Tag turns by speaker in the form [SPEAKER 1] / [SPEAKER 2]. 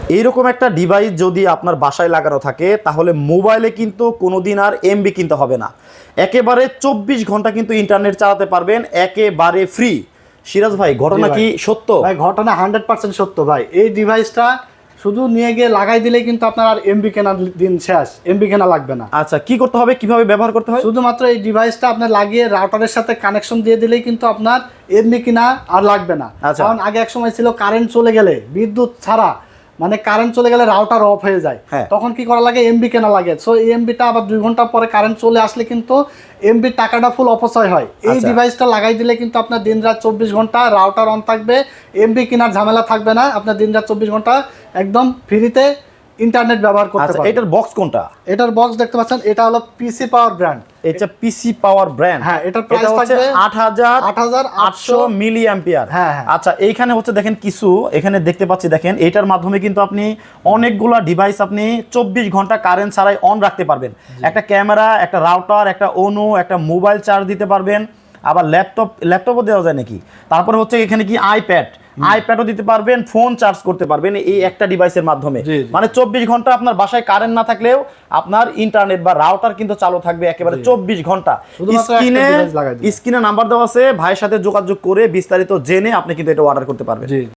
[SPEAKER 1] এইরকম একটা ডিভাইস যদি আপনার বাসায় লাগানো থাকে তাহলে মোবাইলে কিন্তু কোনোদিন আর এমবি কিনতে হবে না, একেবারে 24 ঘন্টা কিন্তু ইন্টারনেট চালাতে পারবেন একেবারে ফ্রি। সিরাজ ভাই, ঘটনা কি সত্য?
[SPEAKER 2] ভাই ঘটনা 100% সত্য ভাই। এই ডিভাইসটা শুধু নিয়ে গিয়ে লাগাই দিলেই কিন্তু আপনার আর এমবি কেনার দিন শেষ, এমবি কেনা লাগবে না।
[SPEAKER 1] আচ্ছা, কি করতে হবে, কিভাবে ব্যবহার করতে হয়?
[SPEAKER 2] শুধুমাত্র এই ডিভাইসটা আপনার লাগিয়ে রাউটারের সাথে কানেকশন দিয়ে দিলেই কিন্তু আপনার এমবি কিনা আর লাগবে না। কারণ আগে এক সময় ছিল কারেন্ট চলে গেলে, বিদ্যুৎ ছাড়া মানে কারেন্ট চলে গেলে রাউটার অফ হয়ে যায়, তখন কি করা লাগে, এমবি কেনা লাগে। সো এই এমবিটা আবার 2 ঘন্টা পরে কারেন্ট চলে আসলে কিন্তু এমবি টাকাটা ফুল অপচয় হয়। এই ডিভাইসটা লাগাই দিলে কিন্তু আপনার দিন রাত 24 ঘন্টা রাউটার অন থাকবে, এমবি কেনার ঝামেলা থাকবে না, আপনার দিন রাত 24 ঘন্টা একদম ফ্রিতে ইন্টারনেট ব্যবহার করতে পারবেন।
[SPEAKER 1] এটার বক্স কোনটা?
[SPEAKER 2] এটার বক্স দেখতে পাচ্ছেন, এটা হলো পিসি পাওয়ার ব্র্যান্ড।
[SPEAKER 1] এটা পিসি পাওয়ার ব্র্যান্ড।
[SPEAKER 2] হ্যাঁ, এটার প্রাইস থাকবে
[SPEAKER 1] 8800 মিলি অ্যাম্পিয়ার।
[SPEAKER 2] হ্যাঁ।
[SPEAKER 1] আচ্ছা, এইখানে হচ্ছে দেখেন কিছু এখানে দেখতে পাচ্ছি, দেখেন এটার মাধ্যমে কিন্তু আপনি অনেকগুলা ডিভাইস আপনি 24 ঘন্টা কারেন্ট ছাড়াই অন রাখতে পারবেন। একটা ক্যামেরা, একটা রাউটার, একটা অনু, একটা মোবাইল চার্জ দিতে পারবেন, আবার ল্যাপটপও দেওয়া যায় নাকি। তারপরে হচ্ছে এখানে কি আইপ্যাডও দিতে পারবেন, ফোন চার্জ করতে পারবেন এই একটা ডিভাইসের মাধ্যমে। মানে 24 ঘন্টা আপনার বাসায় কারেন্ট না থাকলেও আপনার ইন্টারনেট বা রাউটার কিন্তু চালু থাকবে একেবারে 24 ঘন্টা। স্ক্রিনে নাম্বার দেওয়া আছে, ভাইয়ের সাথে যোগাযোগ করে বিস্তারিত জেনে আপনি কিন্তু এটা অর্ডার করতে পারবেন।